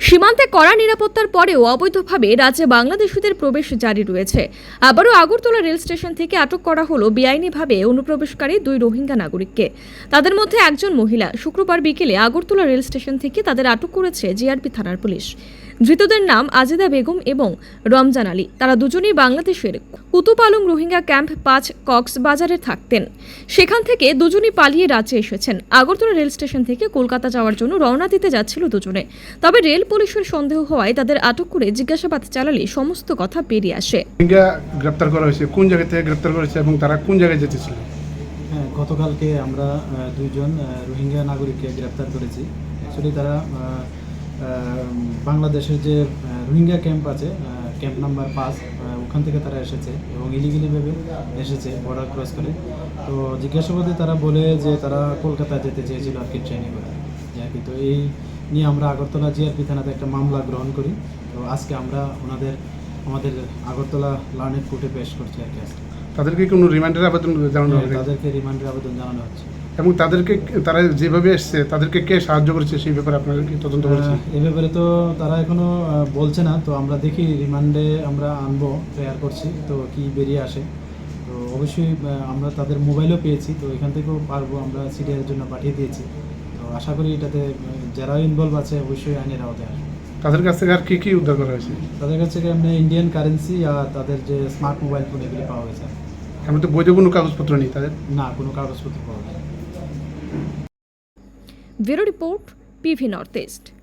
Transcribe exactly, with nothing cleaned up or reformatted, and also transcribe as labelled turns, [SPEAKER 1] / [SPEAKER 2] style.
[SPEAKER 1] সীমান্তে কড়া নিরাপত্তার পরেও অবৈধভাবে রাজ্যে বাংলাদেশিদের প্রবেশ জারি রয়েছে। আবারও আগরতলা রেল স্টেশন থেকে আটক করা হলো বেআইনিভাবে অনুপ্রবেশকারী দুই রোহিঙ্গা নাগরিককে। তাদের মধ্যে একজন মহিলা। শুক্রবার বিকেলে আগরতলা রেল স্টেশন থেকে তাদের আটক করেছে জিআরপি থানার পুলিশ। ধৃতদের নাম আজিদা বেগম এবং রমজান আলী। তারা দুজনেই বাংলাদেশের কুতুপালং রোহিঙ্গা ক্যাম্প পাঁচ কক্সবাজারে থাকতেন। সেখান থেকে দুজনই পালিয়ে রাজ্যে এসেছেন। আগরতলা রেল স্টেশন থেকে কলকাতা যাওয়ার জন্য রওনা দিতে যাচ্ছিল দুজনে। তবে রেল পুলিশের সন্দেহ হওয়ায় তাদের আটক করে জিজ্ঞাসাবাদ চালালে সমস্ত কথা বেরিয়ে আসে।
[SPEAKER 2] রোহিঙ্গা গ্রেপ্তার করা হয়েছে, কোন জায়গা থেকে গ্রেপ্তার করেছে এবং তারা কোন জায়গায় যেতেছিল?
[SPEAKER 3] হ্যাঁ, গতকালকে আমরা দুইজন রোহিঙ্গা নাগরিককে গ্রেপ্তার করেছি। অ্যাকচুয়ালি তারা বাংলাদেশের যে রোহিঙ্গা ক্যাম্প আছে, ক্যাম্প নাম্বার পাঁচ, ওখান থেকে তারা এসেছে এবং ইলিগেলিভাবে এসেছে বর্ডার ক্রস করে। তো জিজ্ঞাসাবাদে তারা বলে যে তারা কলকাতা যেতে চেয়েছিল আর কি, ট্রেনে করে আর কি। তো এই নিয়ে আমরা আগরতলা জিআরপি থানাতে একটা মামলা গ্রহণ করি। তো আজকে আমরা ওনাদের আমাদের আগরতলা লার্নেড কোর্টে পেশ করছি আর কি। আজকে
[SPEAKER 2] তাদেরকে কোনো রিমান্ডের আবেদন জানানো হবে?
[SPEAKER 3] তাদেরকে রিমান্ডের আবেদন জানানো হচ্ছে।
[SPEAKER 2] এবং তাদেরকে তারা যেভাবে এসছে তাদেরকে কে সাহায্য করেছে সেই ব্যাপারে আপনারা কি তদন্ত করেছেন?
[SPEAKER 3] এই ব্যাপারে তো তারা এখনো বলছে না। তো আমরা দেখি রিমান্ডে আমরা আনবো, প্রেয়ার করছি, তো কি বেরিয়ে আসে। তো অবশ্যই আমরা তাদের মোবাইলও পেয়েছি, তো এখান থেকেও পারবো, আমরা সিডিআরের জন্য পাঠিয়ে দিয়েছি। তো আশা করি এটাতে যারা ইনভলভ আছে অবশ্যই আইনের আওতায় আসবে।
[SPEAKER 2] তাদের কাছ থেকে আর কি কি উদ্ধার করা হয়েছে?
[SPEAKER 3] তাদের কাছ থেকে এমনি ইন্ডিয়ান কারেন্সি আর তাদের যে স্মার্ট মোবাইল ফোন এগুলি পাওয়া গেছে।
[SPEAKER 2] এমন তো বৈধ কোনো কাগজপত্র নেই তাদের?
[SPEAKER 3] না, কোনো কাগজপত্র পাওয়া যায়।
[SPEAKER 1] Bureau report, PV North east.